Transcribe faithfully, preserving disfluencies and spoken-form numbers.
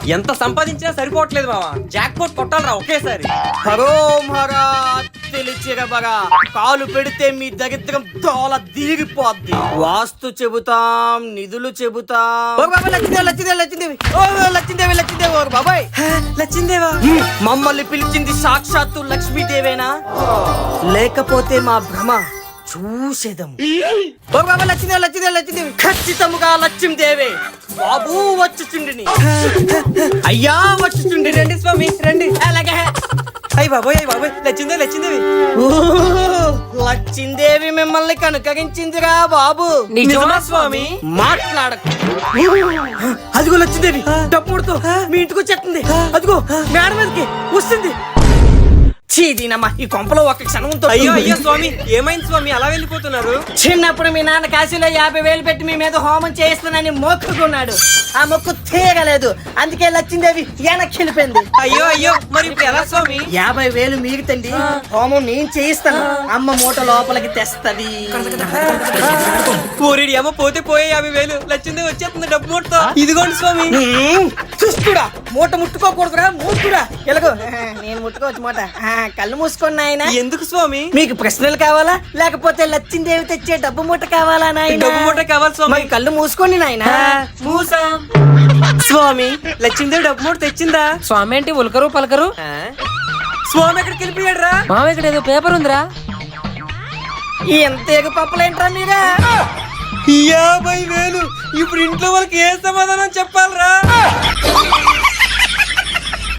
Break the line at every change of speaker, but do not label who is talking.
ఎంత సంపాదించినా సరిపోవట్లేదు మావా, జాక్ పోట్ కొట్టాలరా ఒకేసారి.
హరో మహారా తెలిచిరబగా కాలు పెడితే మీ దరిద్రం దోల దీరిపోద్ది. వాస్తు చెబుతాం, నిధులు చెబుతాం. ఓ బాబాయ్ లక్ష్మీదేవి లక్ష్మీదేవి లక్ష్మీదేవి ఓ లక్ష్మీదేవి లక్ష్మీదేవి ఓ బాబాయ్
లచ్చిందేవా,
మమ్మల్ని పిలిచింది సాక్షాత్తు లక్ష్మీదేవేనా లేకపోతే మా భ్రమ చూసేదం? ఓ బాబాయ్ లక్ష్మీదేవి లక్ష్మీదేవి లక్ష్మీదేవి ఖచ్చితముగా లక్ష్మీదేవే. బాబు వచ్చుచుండిని, అయ్యా వచ్చుచుండి.
రండి స్వామి రండి.
అలాగే
అయ్యి బాబోయ్ అయ్యి బాబోయ్ లచ్చిందే లచ్చిందేవి.
లక్ష్మీదేవి మిమ్మల్ని కనుకరించిందిరా బాబు.
నిజమా స్వామి?
మాట్లాడకు. అదిగో లక్ష్మీదేవి డప్పుడుతో మీ ఇంటికి వచ్చేస్తుంది. అదిగో మేడ మీదకి వస్తుంది. చీదీనమ్మా ఈ కొంపలో ఒక క్షణంతో.
అయ్యో అయ్యో స్వామి ఏమైంది స్వామి అలా వెళ్ళిపోతున్నారు?
చిన్నప్పుడు మీ నాన్న కాశీలో యాభై వేలు పెట్టి మీ మీద హోమం చేయిస్తానని మొక్కుకున్నాడు. ఆ మొక్కు తీయగలేదు, అందుకే లక్ష్మీదేవి వెనక్కి వెళ్ళిపోయింది.
అయ్యో అయ్యో మరి ఇప్పుడు ఎలా స్వామి?
యాభై వేలు మిగుతండి, హోమం నేను చేయిస్తాను, అమ్మ మూట లోపలికి తెస్తది.
పోరేడి అమ్మ పోతే పోయే యాభై వేలు, లచ్చిందే వచ్చేస్తుంది డబ్బు మూటతో. ఇదిగోండి స్వామి.
చూస్తుడా మూట ముట్టుకోకూడదురా మూర్ఖుడా. ఎలాగో నేను ముట్టుకోవచ్చు మూట. కళ్ళు మూసుకోండి నాయన.
ఎందుకు స్వామి?
మీకు ప్రశ్నలు కావాలా లేకపోతే లచ్చిందేవి తెచ్చే డబ్బు మూట కావాలా నాయన?
డబ్బు మూట కావాలి స్వామి.
మరి కళ్ళు మూసుకోండి నాయన.
మూసా స్వామి లచ్చిందేవి డబ్బు మూట తెచ్చిందా?
స్వామి ఏంటి ఉలకరు పలకరు?
స్వామి ఎక్కడికి వెళ్ళిపోయాడు రా?
మామ ఇక్కడ ఏదో పేపర్ ఉందిరా.
ఎంత ఎగు పప్పలేంట్రా మీరా?
యాభై వేలు ఇప్పుడు ఇంట్లో వాళ్ళకి ఏ సమాధానం చెప్పాలరా?